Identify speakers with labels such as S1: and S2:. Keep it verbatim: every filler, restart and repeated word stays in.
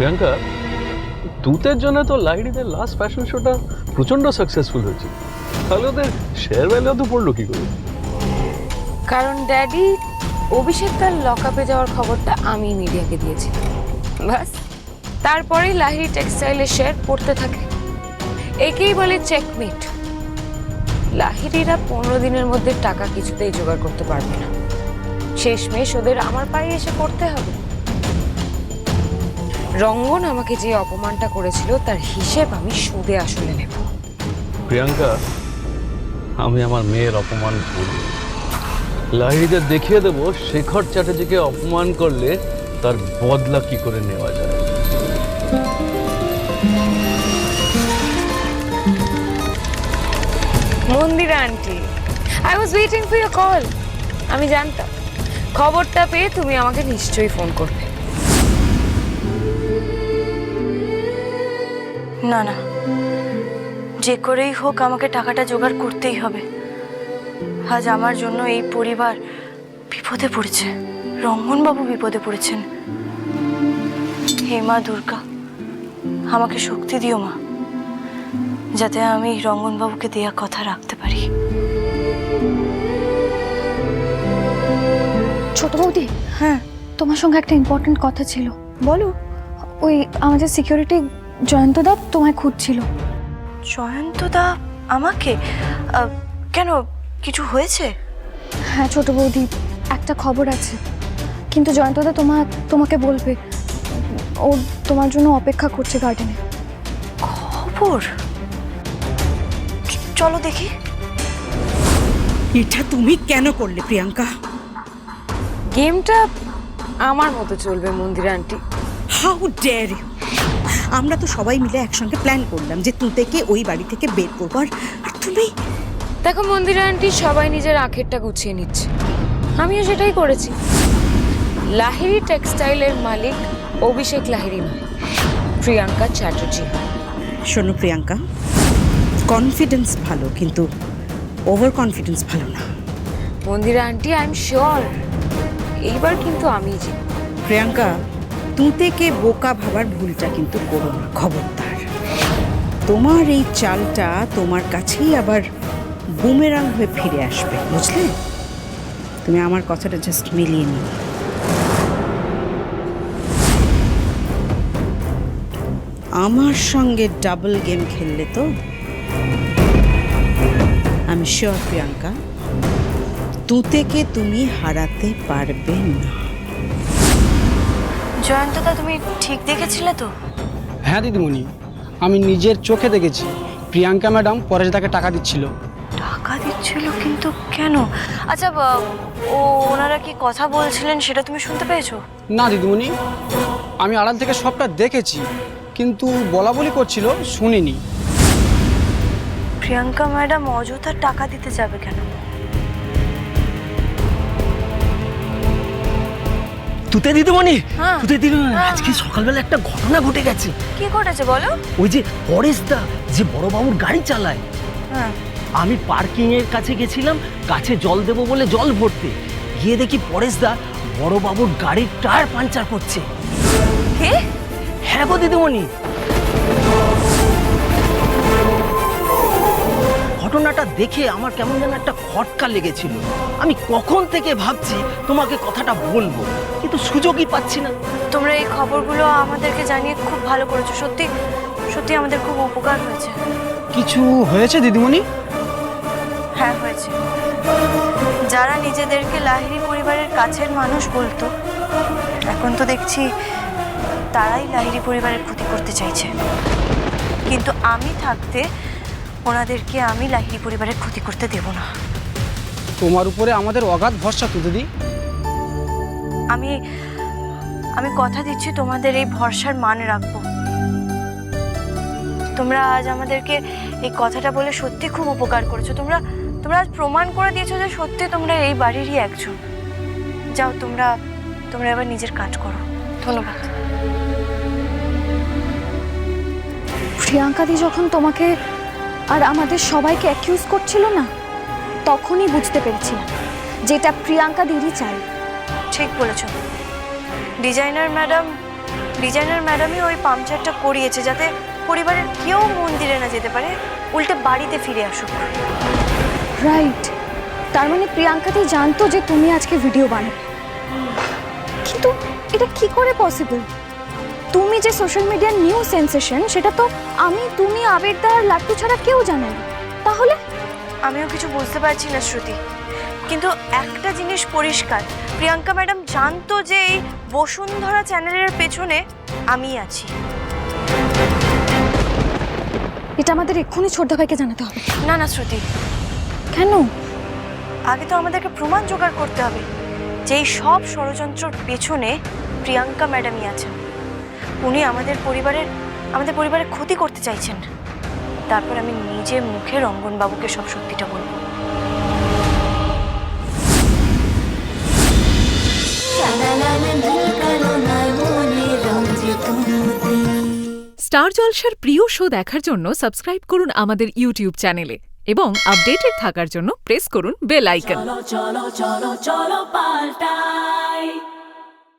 S1: প্রিয়াঙ্কা, তুতের জন্য তো লাহিড়িদের last fashion শোটা প্রচন্ড সাকসেসফুল হয়েছে, তাহলে ওদের শেয়ার ভ্যালু তো পড়লো কি করে?
S2: কারণ ড্যাডি অভিষেক তার লকআপে যাওয়ার খবরটা আমি মিডিয়াকে দিয়েছি, বাস তারপরেই লাহিড়ি টেক্সটাইলের শেয়ার পড়তে থাকে। একেই বলে চেকমেট। লাহিড়িরা পনেরো দিনের মধ্যে টাকা কিছুতেই জোগাড় করতে পারবে না, শেষমেশ ওদের আমার পায়ে এসে পড়তে হবে। রঙ্গন আমাকে যে অপমানটা করেছিল তার হিসেব আমি সুদে আসলে নেব।
S1: প্রিয়াঙ্কা, আমি আমার মেয়ের অপমান করব, লাহিড়িদের দেখিয়ে দেব শেখর চ্যাটার্জিকে অপমান করলে তার বদলা কি করে নেওয়া যায়।
S2: Mandira aunty, I was waiting for your call. আমি জানতাম খবরটা পেয়ে তুমি আমাকে নিশ্চয়ই ফোন করবে।
S3: না না, যে করেই হোক আমাকে টাকাটা জোগাড় করতেই হবে। আজ আমার জন্য এই পরিবার বিপদে পড়েছে, রঙ্গনবাবু বিপদে পড়েছেন। হে মা দুর্গা, আমাকে শক্তি দিও মা, যাতে আমি রঙ্গনবাবুকে দেয়া কথা রাখতে পারি।
S4: ছোট বৌদি,
S3: হ্যাঁ
S4: তোমার সঙ্গে একটা ইম্পর্টেন্ট কথা ছিল।
S3: বলো।
S4: ওই আমাদের সিকিউরিটি জয়ন্তদা তোমায় খুঁজছিল।
S3: জয়ন্তদা আমাকে? আহ, কেন, কিছু হয়েছে?
S4: হ্যাঁ ছোট বৌদি, একটা খবর আছে, কিন্তু জয়ন্তদা তোমার তোমাকে বলবে। ও তোমার জন্য অপেক্ষা করছে গার্ডেনে।
S3: খবর? চ- চলো দেখি।
S5: এটা তুমি কেন করলে প্রিয়াঙ্কা?
S2: গেমটা আমার মতো চলবে Mandira aunty.
S5: How dare you! আমরা তো সবাই মিলে একসঙ্গে প্ল্যান করলাম যে তুতেকে ওই বাড়ি থেকে বের করবো, আর আর তুমি।
S2: দেখো মন্দিরা আন্টি, সবাই নিজের আখেরটা গুছিয়ে নিচ্ছে, আমিও সেটাই করেছি। লাহিড়ি টেক্সটাইলের মালিক অভিষেক লাহিড়ি নয়, প্রিয়াঙ্কা চ্যাটার্জি।
S5: শোনো প্রিয়াঙ্কা, কনফিডেন্স ভালো, কিন্তু ওভার কনফিডেন্স ভালো না।
S2: Mandira aunty, I am sure এইবার কিন্তু আমি জিতব।
S5: প্রিয়াঙ্কা, তুতেকে বোকা ভাবার ভুলটা কিন্তু করো না, খবরদার। তোমার এই চালটা তোমার কাছেই আবার বুমেরাং হয়ে ফিরে আসবে, বুঝলে? তুমি আমার কথাটা জাস্ট মিলিয়ে নিও। আমার সঙ্গে ডাবল গেম খেললে তো আমি শিওর প্রিয়াঙ্কা, তুতেকে তুমি হারাতে পারবে না।
S3: জয়ন্তদা, তুমি ঠিক দেখেছিলে তো?
S6: হ্যাঁ দিদিমণি, আমি নিজের চোখে দেখেছি প্রিয়াঙ্কা ম্যাডাম পরেশদাকে টাকা দিচ্ছিল।
S3: টাকা দিচ্ছিল? কিন্তু কেন? আচ্ছা, বা- ও ওনারা কি কথা বলছিলেন সেটা তুমি শুনতে পেয়েছো?
S6: না দিদিমণি, আমি আড়াল থেকে সবটা দেখেছি, কিন্তু বলা বলি করছিল, শুনিনি।
S3: প্রিয়াঙ্কা ম্যাডাম অযথা টাকা দিতে যাবে কেন?
S7: তুতে দিদিমণি,
S3: হ্যাঁ।
S7: তুতে দিদিমণি, আজকে সকালবেলা একটা ঘটনা ঘটে গেছে।
S3: কি ঘটেছে বলো?
S7: ওই যে পরেশদা, যে বড়বাবুর গাড়ি চালায়,
S3: হ্যাঁ।
S7: আমি পার্কিং এর কাছে গেছিলাম গাছে জল দেবো বলে জল ভরতে, গিয়ে দেখি পরেশদা বড়বাবুর গাড়ির টায়ার পাঞ্চার করছে।
S3: কে?
S7: হ্যাঁ গো দিদিমণি, ঘটনাটা দেখে আমার কেমন যেন একটা খটকা লেগেছিল। আমি কখন থেকে ভাবছি তোমাকে কথাটা বলবো, কিন্তু সুযোগই পাচ্ছি না।
S3: তোমরা এই খবরগুলো আমাদেরকে জানিয়ে খুব ভালো করেছো, সত্যি সত্যি আমাদের খুব উপকার হয়েছে।
S6: কিছু হয়েছে দিদিমণি?
S3: হ্যাঁ হয়েছে। যারা নিজেদেরকে লাহিড়ি পরিবারের কাছের মানুষ বলতো, এখন তো দেখছি তারাই লাহিড়ি পরিবারের ক্ষতি করতে চাইছে। কিন্তু আমি থাকতে ওনাদেরকে আমি লাহিড়ি পরিবারের ক্ষতি করতে দেব না।
S6: তোমার উপরে আমাদের অগাধ ভরসা তো দিদি।
S3: আমি আমি কথা দিচ্ছি তোমাদের এই ভরসার মান রাখবো। তোমরা আজ আমাদেরকে এই কথাটা বলে সত্যি খুব উপকার করেছো। তোমরা তোমরা আজ প্রমাণ করে দিয়েছো যে সত্যি তোমরা এই বাড়িরই একজন। যাও, তোমরা তোমরা এবার নিজের কাজ করো। ধন্যবাদ।
S4: প্রিয়াঙ্কাদি যখন তোমাকে আর আমাদের সবাইকে অ্যাকিউজ করছিল না, তখনই বুঝতে পেরেছিলাম যেটা প্রিয়াঙ্কা দিদি চাই।
S3: ঠিক বলেছ। ডিজাইনার ম্যাডাম ডিজাইনার ম্যাডামই ওই পাংচারটা করিয়েছে যাতে পরিবারের কেউ মন্দিরে না যেতে পারে, উল্টে বাড়িতে ফিরে আসুক।
S4: রাইট, তার মানে প্রিয়াঙ্কাতেই জানতো যে তুমি আজকে ভিডিও বানাবে, কিন্তু এটা কি করে পসিবল? তুমি যে সোশ্যাল মিডিয়ার নিউ সেন্সেশন, সেটা তো আমি, তুমি, আবেগদা আর লাট্টু ছাড়া কেউ জানে না। তাহলে
S3: আমিও কিছু বুঝতে পারছি না শ্রুতি, কিন্তু একটা জিনিস পরিষ্কার, প্রিয়াঙ্কা ম্যাডাম জানতো যে এই বসুন্ধরা চ্যানেলের পেছনে আমি আছি।
S4: এটা আমাদের এক্ষুনি ছোটদা ভাইকে জানাতে হবে।
S3: না না শ্রুতি,
S4: কেন?
S3: আগে তো আমাদেরকে প্রমাণ জোগাড় করতে হবে যে এই সব ষড়যন্ত্রের পেছনে প্রিয়াঙ্কা ম্যাডামই আছেন। উনি আমাদের পরিবারের আমাদের পরিবারের ক্ষতি করতে চাইছেন। তারপর আমি নিজে মুখে রঙ্গনবাবুকে সব সত্যিটা বলবো।
S8: স্টার জলসার প্রিয় শো দেখার জন্য সাবস্ক্রাইব করুন আমাদের ইউটিউব চ্যানেলে এবং আপডেটেড থাকার জন্য প্রেস করুন বেল আইকন।
S9: চলো চলো চলো চলো পাল্টাই।